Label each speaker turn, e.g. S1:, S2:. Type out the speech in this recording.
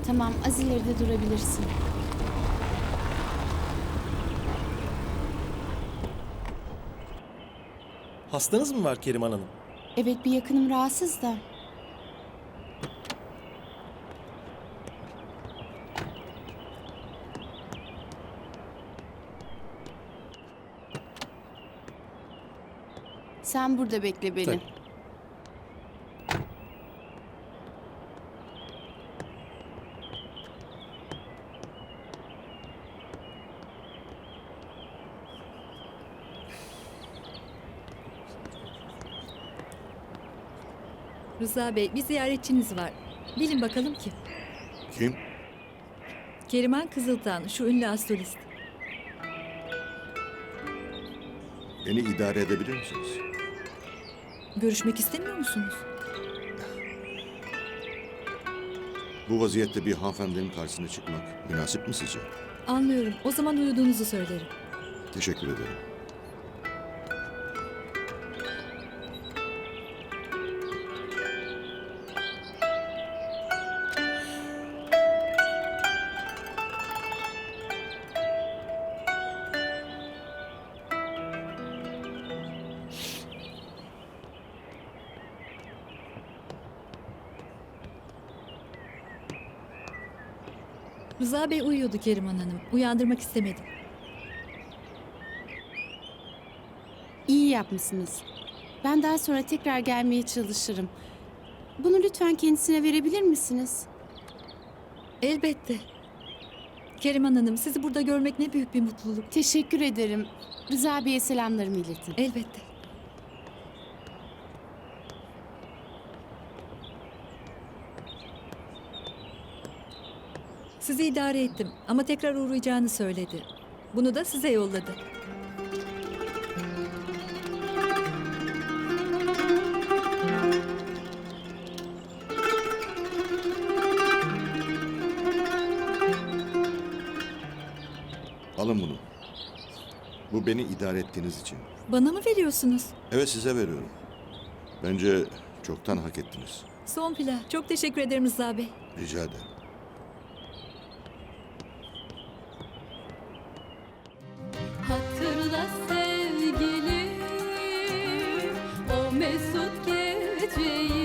S1: Tamam, az ileride durabilirsin.
S2: Hastanız mı var Keriman Hanım?
S1: Evet, bir yakınım rahatsız da. Sen burada bekle beni.
S2: Tabii.
S3: Rıza Bey, bir ziyaretçiniz var. Bilin bakalım kim?
S4: Kim?
S3: Keriman Kızıltan, şu ünlü astrolist.
S4: Beni idare edebilir misiniz?
S3: Görüşmek istemiyor musunuz?
S4: Bu vaziyette bir hanımefendinin karşısına çıkmak münasip mi sizce?
S3: Anlıyorum. O zaman uyuduğunuzu söylerim.
S4: Teşekkür ederim.
S3: Rıza Bey uyuyordu Keriman Hanım. Uyandırmak istemedim.
S1: İyi yapmışsınız. Ben daha sonra tekrar gelmeye çalışırım. Bunu lütfen kendisine verebilir misiniz?
S3: Elbette. Keriman Hanım, sizi burada görmek ne büyük bir mutluluk.
S1: Teşekkür ederim. Rıza Bey'e selamlarımı iletin.
S3: Elbette. Sizi idare ettim ama tekrar uğrayacağını söyledi. Bunu da size yolladı.
S4: Alın bunu. Bu beni idare ettiğiniz için.
S3: Bana mı veriyorsunuz?
S4: Evet, size veriyorum. Bence çoktan hak ettiniz.
S3: Son pila. Çok teşekkür ederim Rıza Bey.
S4: Rica ederim.
S5: Hatırla sevgilim o mesut geceyi.